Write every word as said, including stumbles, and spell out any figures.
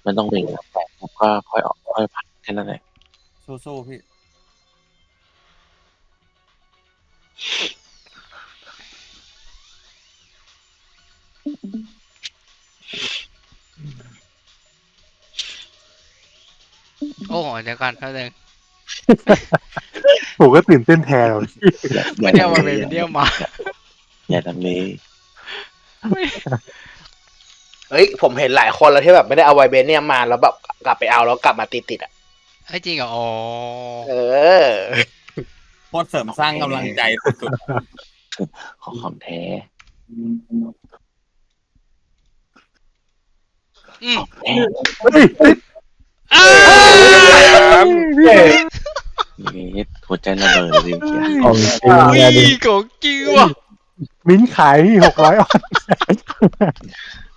มันต้องเบ่งแล้วแตกแล้วก็ค่อยออกค่อยพักแค่นั้นแหละสู้ๆพี่โอ้โหเดี๋ยวก่อนเท่านึงผมก็ตื่นเต้นแทนเลยไม่ได้เอามาเป็นเดียวมาอย่าทำนี้เฮ้ยผมเห็นหลายคนแล้วที่แบบไม่ได้เอาไวเบเนียมมาแล้วแบบกลับไปเอาแล้วกลับมาติดติดๆอ่ะไอ้ยจริงเหรออ๋อเออโคตรเสริมสร้างกำลังใจสุดของของแท้อืมแท้เฮ้ยเฮ้ยอ้าวนี่หัวใจระเบิดเลยเชียวของจริงอุ้ยเนี่ยดิของจริงว่ะมิ้นท์ขายหกร้อยออน